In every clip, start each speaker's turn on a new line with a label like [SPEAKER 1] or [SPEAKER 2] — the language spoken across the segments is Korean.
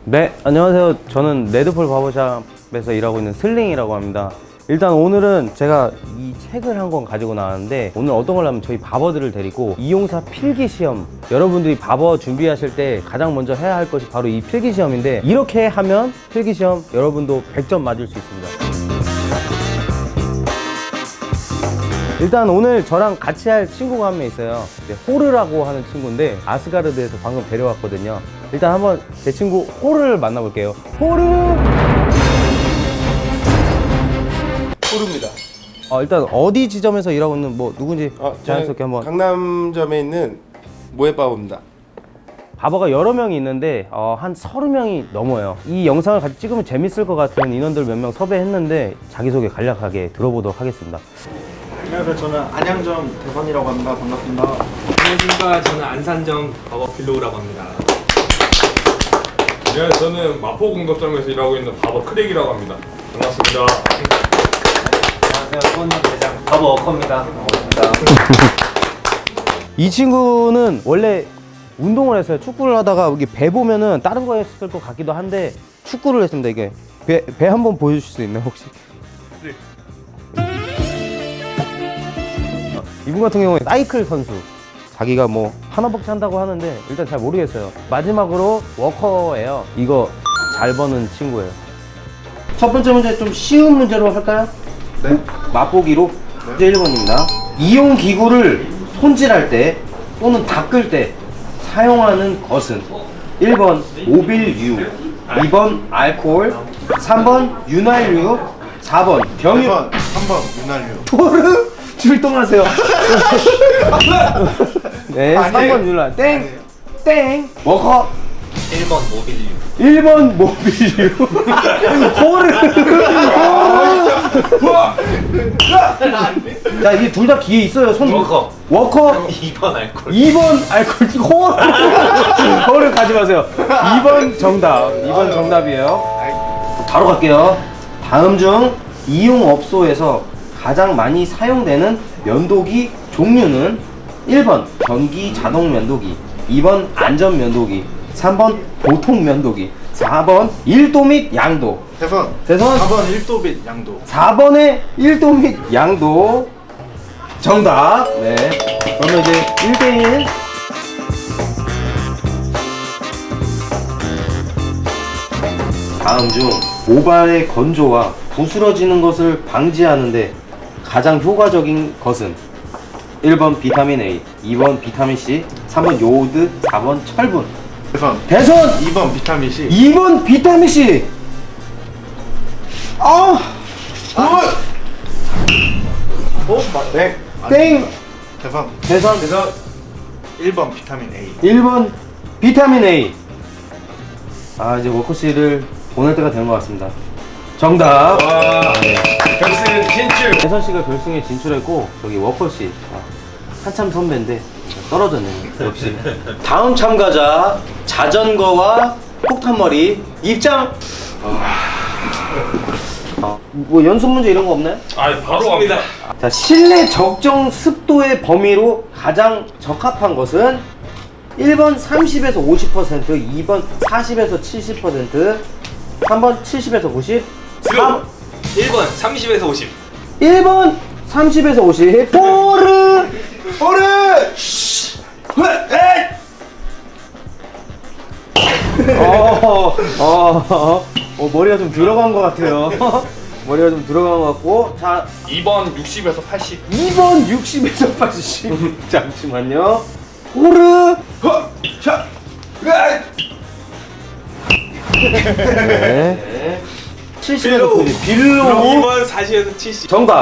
[SPEAKER 1] 네, 안녕하세요. 저는 레드폴 바버샵에서 일하고 있는 슬링이라고 합니다. 일단 오늘은 제가 이 책을 한 권 가지고 나왔는데, 오늘 어떤 걸 하면 저희 바버들을 데리고 이용사 필기시험, 여러분들이 바버 준비하실 때 가장 먼저 해야 할 것이 바로 이 필기시험인데, 이렇게 하면 필기시험 여러분도 100점 맞을 수 있습니다. 일단 오늘 저랑 같이 할 친구가 한 명 있어요. 호르라고 하는 친구인데 아스가르드에서 방금 데려왔거든요. 일단 한번 제 친구 호르를 만나볼게요. 호르!
[SPEAKER 2] 호르입니다.
[SPEAKER 1] 일단 어디 지점에서 일하고 있는 뭐 누군지 자연스럽게 한번.
[SPEAKER 2] 강남점에 있는 모에바오입니다.
[SPEAKER 1] 바버가 여러 명이 있는데 한 30명이 넘어요. 이 영상을 같이 찍으면 재밌을 것 같은 인원들 몇 명 섭외했는데 자기소개 간략하게 들어보도록 하겠습니다.
[SPEAKER 3] 안녕하세요. 저는 안양점 대선이라고 합니다. 반갑습니다.
[SPEAKER 4] 안녕하십니까. 저는 안산점 바버 빌로우라고 합니다.
[SPEAKER 5] 네, 저는 마포공덕점에서 일하고 있는 바버 크랙이라고 합니다. 반갑습니다.
[SPEAKER 4] 안녕하세요. 수원역 대장 바버 워커입니다. 반갑습니다.
[SPEAKER 1] 이 친구는 원래 운동을 했어요. 축구를 하다가 여기 배 보면은 다른 거 했을 것 같기도 한데 축구를 했습니다. 이게 배 한번 보여주실 수 있나요 혹시?
[SPEAKER 5] 네.
[SPEAKER 1] 이분 같은 경우에 사이클 선수. 자기가 뭐 하나밖에 한다고 하는데 일단 잘 모르겠어요. 마지막으로 워커예요. 이거 잘 버는 친구예요. 첫 번째 문제 좀 쉬운 문제로 할까요?
[SPEAKER 3] 네.
[SPEAKER 1] 맛보기로. 문제 1번입니다. 이용 기구를 손질할 때 또는 닦을 때 사용하는 것은 1번 오빌유, 2번 알코올, 3번 윤활유, 4번 병유.
[SPEAKER 3] 3번 윤활유.
[SPEAKER 1] 토르 출동하세요. 네, 3번 윤활. 땡! 땡! 워커
[SPEAKER 4] 1번 모빌류.
[SPEAKER 1] 1번 모빌유. 호르. 자, 이게 둘 다 기회 있어요. 손.
[SPEAKER 4] 워커.
[SPEAKER 1] 워커.
[SPEAKER 4] 2번 알콜.
[SPEAKER 1] 2번 알코올. 호르. 호르 가지 마세요. 2번 정답. 2번 정답이에요. 바로 갈게요. 다음 중 이용업소에서 가장 많이 사용되는 면도기 종류는 1번 전기 자동 면도기, 2번 안전 면도기, 3번 보통 면도기, 4번 1도 및 양도.
[SPEAKER 3] 대선.
[SPEAKER 1] 대선.
[SPEAKER 3] 4번 1도 및 양도.
[SPEAKER 1] 4번의 1도 및 양도 정답. 네. 그러면 이제 1대1. 다음 중 모발의 건조와 부스러지는 것을 방지하는데 가장 효과적인 것은 1번 비타민 A, 2번 비타민 C, 3번 요오드, 4번 철분.
[SPEAKER 3] 대선.
[SPEAKER 1] 대선
[SPEAKER 3] 2번 비타민 C.
[SPEAKER 1] 2번 비타민 C.
[SPEAKER 3] 네.
[SPEAKER 1] 땡.
[SPEAKER 3] 대선.
[SPEAKER 1] 대선
[SPEAKER 3] 1번 비타민 A.
[SPEAKER 1] 1번 비타민 A. 이제 워커 씨를 보낼 때가 된 것 같습니다. 정답.
[SPEAKER 5] 결승 진출!
[SPEAKER 1] 대선 씨가 결승에 진출했고 저기 워커 씨 한참 선배인데 떨어졌네요. 역시. 다음 참가자 자전거와 폭탄머리 입장. 뭐 연습 문제 이런 거 없나요?
[SPEAKER 5] 바로 갑니다.
[SPEAKER 1] 자, 실내 적정 습도의 범위로 가장 적합한 것은 1번 30에서 50%, 2번 40에서 70%, 3번 70에서 90, 4번
[SPEAKER 4] 1번 30에서 50.
[SPEAKER 1] 1번 30에서 50. 포르! 머리가 좀 들어간 것 같아요. 머리가 좀 들어간 것 같고. 자,
[SPEAKER 5] 2번 60에서 80.
[SPEAKER 1] 2번 60에서 80. 잠시만요. 포르! 네. 70에서 90. 빌로.
[SPEAKER 4] 2번 40에서 70.
[SPEAKER 1] 정답.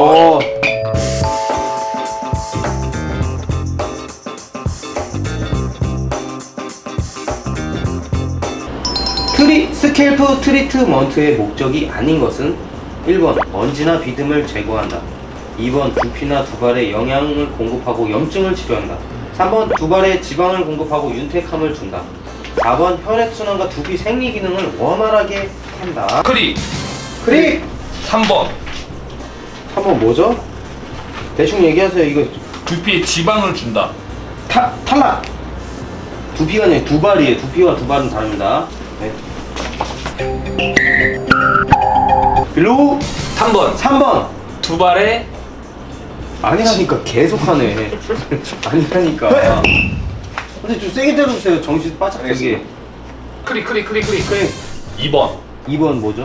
[SPEAKER 1] 스캘프 트리트먼트의 목적이 아닌 것은 1번 먼지나 비듬을 제거한다, 2번 두피나 두발에 영양을 공급하고 염증을 치료한다, 3번 두발에 지방을 공급하고 윤택함을 준다, 4번 혈액순환과 두피 생리 기능을 원활하게 한다.
[SPEAKER 5] 크리! 3번
[SPEAKER 1] 3번 뭐죠? 대충 얘기하세요. 이거
[SPEAKER 5] 두피에 지방을 준다.
[SPEAKER 1] 탈락! 두피가 아니라 두발이에요. 두피와 두발은 다릅니다. 네. 빌로우
[SPEAKER 4] 3번
[SPEAKER 1] 3번.
[SPEAKER 4] 두 발에
[SPEAKER 1] 아니라니까 계속하네. 아니라니까. 근데 좀 세게 때려주세요. 정신 바짝 들게.
[SPEAKER 4] 크리.
[SPEAKER 1] 그래.
[SPEAKER 5] 2번.
[SPEAKER 1] 2번 뭐죠?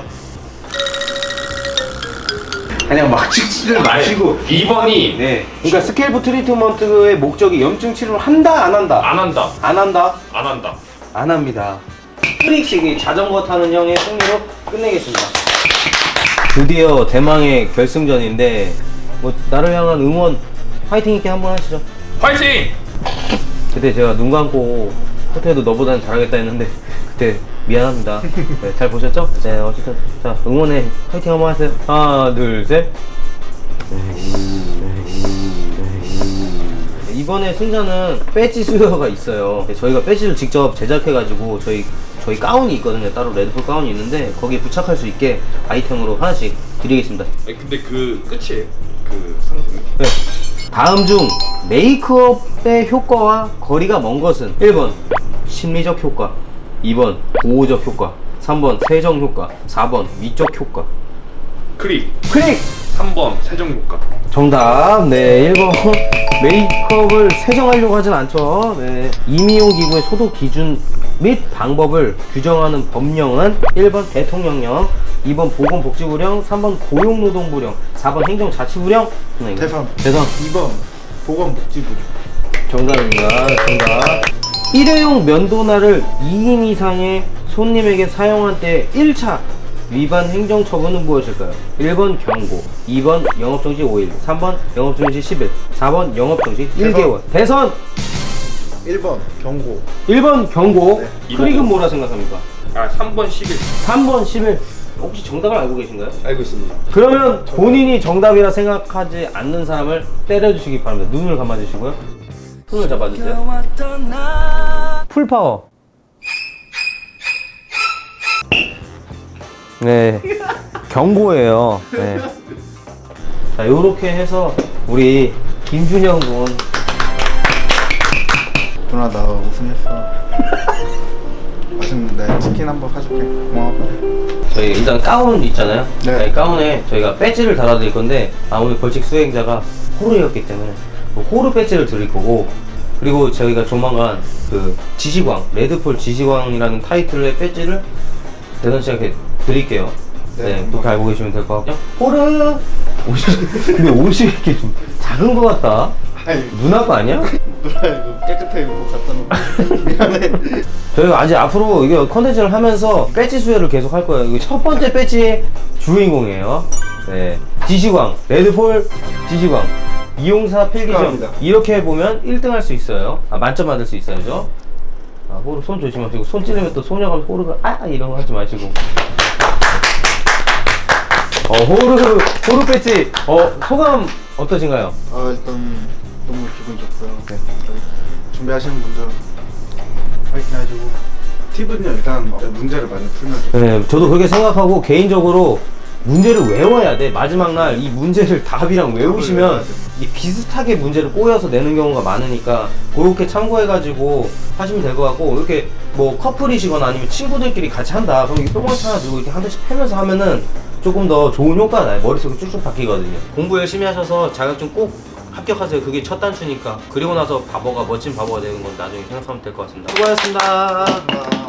[SPEAKER 1] 그냥 막 치지를 마시고.
[SPEAKER 5] 2번이
[SPEAKER 1] 네. 그러니까 스캘프 트리트먼트의 목적이 염증 치료를 한다 안 한다?
[SPEAKER 5] 안 한다.
[SPEAKER 1] 안 한다?
[SPEAKER 5] 안 한다.
[SPEAKER 1] 안 합니다. 트릭식이 자전거 타는 형의 승리로 끝내겠습니다. 드디어 대망의 결승전인데 뭐 나를 향한 응원 파이팅 있게 한번 하시죠.
[SPEAKER 5] 화이팅!
[SPEAKER 1] 그때 제가 눈 감고 호텔도 너보다는 잘하겠다 했는데 그때 미안합니다. 네, 잘 보셨죠? 네, 어쨌든 자 응원해 파이팅 한번 하세요. 하나 둘 셋. 이번에 승자는 배지 수여가 있어요. 저희가 배지를 직접 제작해가지고 저희 가운이 있거든요. 따로 레드풀 가운이 있는데 거기에 부착할 수 있게 아이템으로 하나씩 드리겠습니다.
[SPEAKER 5] 아니, 근데 그 끝이에요. 그 상품이.
[SPEAKER 1] 네. 다음 중 메이크업의 효과와 거리가 먼 것은 1번 심리적 효과, 2번 보호적 효과, 3번 세정 효과, 4번 미적 효과.
[SPEAKER 5] 크릭. 3번 세정 효과.
[SPEAKER 1] 정답. 네, 1번 메이크업을 세정하려고 하진 않죠. 네. 이미용 기구의 소독 기준 및 방법을 규정하는 법령은 1번 대통령령, 2번 보건복지부령, 3번 고용노동부령, 4번 행정자치부령.
[SPEAKER 3] 대선.
[SPEAKER 1] 2번
[SPEAKER 3] 보건복지부.
[SPEAKER 1] 정답입니다. 정답. 일회용 면도날을 2인 이상의 손님에게 사용한 때 1차 위반 행정처분은 무엇일까요? 1번 경고, 2번 영업정지 5일, 3번 영업정지 10일, 4번 영업정지 1개월. 대선
[SPEAKER 3] 1번 경고.
[SPEAKER 1] 1번 경고.
[SPEAKER 3] 네.
[SPEAKER 1] 크릭은 뭐라 생각합니까?
[SPEAKER 5] 3번 11.
[SPEAKER 1] 3번 10일. 혹시 정답을 알고 계신가요?
[SPEAKER 2] 알고 있습니다.
[SPEAKER 1] 그러면 본인이 정답이라 생각하지 않는 사람을 때려주시기 바랍니다. 눈을 감아주시고요. 손을 잡아주세요. 풀파워. 네, 경고예요. 네. 자, 요렇게 해서 우리 김준영 군
[SPEAKER 3] 누나 나 우승했어. 맛있는데 치킨 한번 사줄게. 고마워.
[SPEAKER 1] 저희 일단 가운 있잖아요.
[SPEAKER 3] 네.
[SPEAKER 1] 이 가운에 저희가 배지를 달아드릴 건데 오늘 벌칙 수행자가 호루였기 때문에 호루 배지를 드릴 거고, 그리고 저희가 조만간 그 지시광 레드폴 지시광이라는 타이틀의 배지를 대선 씨한테 드릴게요. 네, 그렇게 알고 계시면 될 것 같고요. 호루 근데 옷이 이렇게 좀 작은 것 같다.
[SPEAKER 3] 아니
[SPEAKER 1] 누나 거 아니야?
[SPEAKER 3] 누나 이거 깨끗하게 입고 갖다 놓고 미안해.
[SPEAKER 1] 저희가 아직 앞으로 이게 컨텐츠를 하면서 배지 수여를 계속 할 거예요. 이거 첫 번째 배지의 주인공이에요. 네, 지시광 레드폴 지시광 이용사 필기점.
[SPEAKER 2] 축하합니다.
[SPEAKER 1] 이렇게 보면 1등 할 수 있어요. 만점 받을 수 있어요. 호루 손 조심하시고, 손 찌르면 또 소녀가 호루가 이런 거 하지 마시고. 호루 배지 소감 어떠신가요?
[SPEAKER 3] 일단 너무 기분 좋고요. 네. 준비하시는 분들 파이팅 해주고 팁은요 일단 문제를 많이 풀면 좋아요.
[SPEAKER 1] 네, 저도 그렇게 생각하고 개인적으로 문제를 외워야 돼. 마지막 날 이 문제를 답이랑 외우시면 이 비슷하게 문제를 꼬여서 내는 경우가 많으니까 그렇게 참고해가지고 하시면 될 것 같고, 이렇게 뭐 커플이시거나 아니면 친구들끼리 같이 한다 그럼 이 뿅망치 하나 들고 이렇게 한 대씩 패면서 하면은 조금 더 좋은 효과가 나요. 머릿속에 쭉쭉 바뀌거든요. 공부 열심히 하셔서 자격증 꼭 합격하세요. 그게 첫 단추니까. 그리고 나서 바보가 멋진 바보가 되는 건 나중에 생각하면 될 것 같습니다. 수고하셨습니다.